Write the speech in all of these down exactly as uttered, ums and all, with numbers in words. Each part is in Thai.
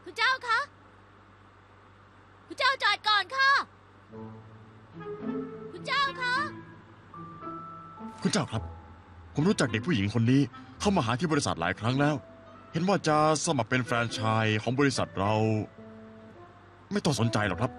คุณเจ้าคะคุณเจ้าจอดก่อนค่ะคุณเจ้าคะคุณเจ้าครับผมรู้จักเด็กผู้หญิงคนนี้เข้ามาหาที่บริษัทหลายครั้งแล้ว เห็นว่าจะสมัครเป็นแฟรนไชส์ของบริษัทเรา ไม่ต้องสนใจหรอกครับ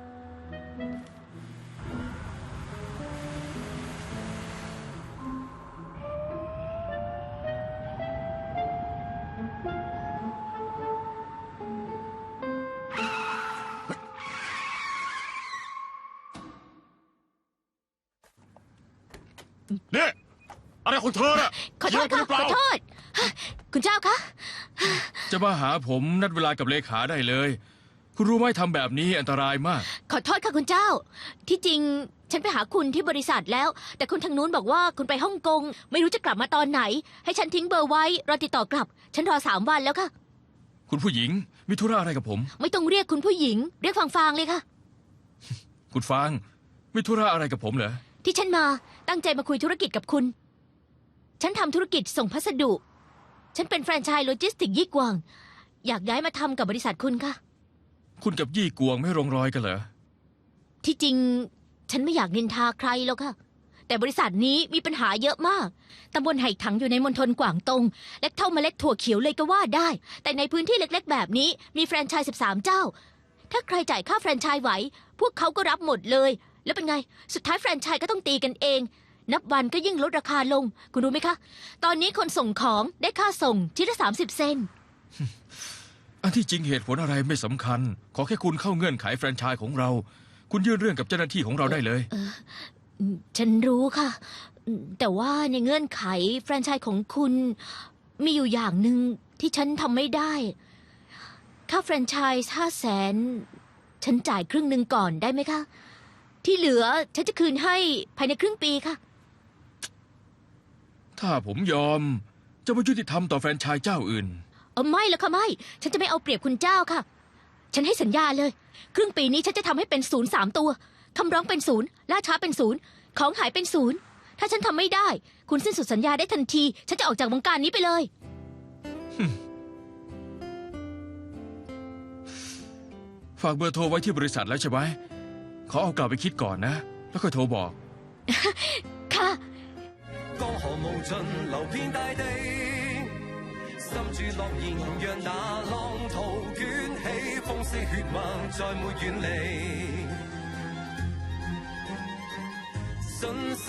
เนี่ยอะไรของเธอน่ะขอโทษเยค่ะอะไปหรือเปขล่าอโทษ คุณเจ้าคะจะมาหาผมนัดเวลากับเลขาได้เลย คุณรู้ไหมทำแบบนี้อันตรายมากขอโทษค่ะคุณเจ้า ที่จริงฉันไปหาคุณที่บริษัทแล้ว แต่คุณทางนู้นบอกว่าคุณไปฮ่องกงไม่รู้จะกลับมาตอนไหน ให้ฉันทิ้งเบอร์ไว้รอติดต่อกลับ ฉันรอสามวันแล้วค่ะคุณผู้หญิงมีธุระอะไรกับผมไม่ต้องเรียกคุณผู้หญิง เรียกฟางฟางๆเลยค่ะคุณฟางมีธุระอะไรกับผมเหรอที่ฉันมาตั้งใจมาคุยธุรกิจกับคุณ ฉันทำธุรกิจส่งพัสดุ ฉันเป็นแฟรนไชส์โลจิสติกยี่กวาง อยากย้ายมาทำกับบริษัทคุณค่ะคุณกับยี่กวงไม่ลงรอยกันเหรอที่จริงฉันไม่อยากนินทาใครหรอกค่ะ แต่บริษัทนี้มีปัญหาเยอะมาก ตำบลไหถังอยู่ในมณฑลกวางตงเล็กเท่าเมล็ดถั่วเขียวเลยก็ว่าได้ แต่ในพื้นที่เล็กๆ แบบนี้มีแฟรนไชส์สิบสามเจ้า ถ้าใครจ่ายค่าแฟรนไชส์ไหว พวกเขาก็รับหมดเลย แล้วเป็นไง สุดท้ายแฟรนไชส์ก็ต้องตีกันเอง นับวันก็ยิ่งลดราคาลง คุณรู้ไหมคะ ตอนนี้คนส่งของได้ค่าส่งชิ้นละสามสิบเซนต์อันที่จริงเหตุผลอะไรไม่สำคัญ ขอแค่คุณเข้าเงื่อนไขแฟรนไชส์ของเรา คุณยื่นเรื่องกับเจ้าหน้าที่ของเราได้เลยฉันรู้ค่ะ แต่ว่าในเงื่อนไขแฟรนไชส์ของคุณ มีอยู่อย่างหนึ่งที่ฉันทำไม่ได้ ค่าแฟรนไชส์ห้าแสนฉันจ่ายครึ่งหนึ่งก่อนได้ไหมคะ ที่เหลือฉันจะคืนให้ภายในครึ่งปีค่ะถ้าผมยอมจะไม่ยุติธรรมต่อแฟรนไชส์เจ้าอื่นเออไม่แล้วค่ะไม่ ฉันจะไม่เอาเปรียบคุณเจ้าค่ะ ฉันให้สัญญาเลย ครึ่งปีนี้ฉันจะทำให้เป็นศูนย์สามตัวคำร้องเป็นศูนย์ล่าช้าเป็นศูนย์ของหายเป็นศูนย์ถ้าฉันทำไม่ได้ คุณสิ้นสุดสัญญาได้ทันที ฉันจะออกจากวงการนี้ไปเลยฝากเบอร์โทรไว้ที่บริษัทแล้วใช่ไหมขอเอากลับไปคิดก่อนนะ แล้วค่อยโทรบอกค่ะ江河無盡流遍大地，心住樂言，讓那浪濤捲起，風絲血脈再沒遠離。信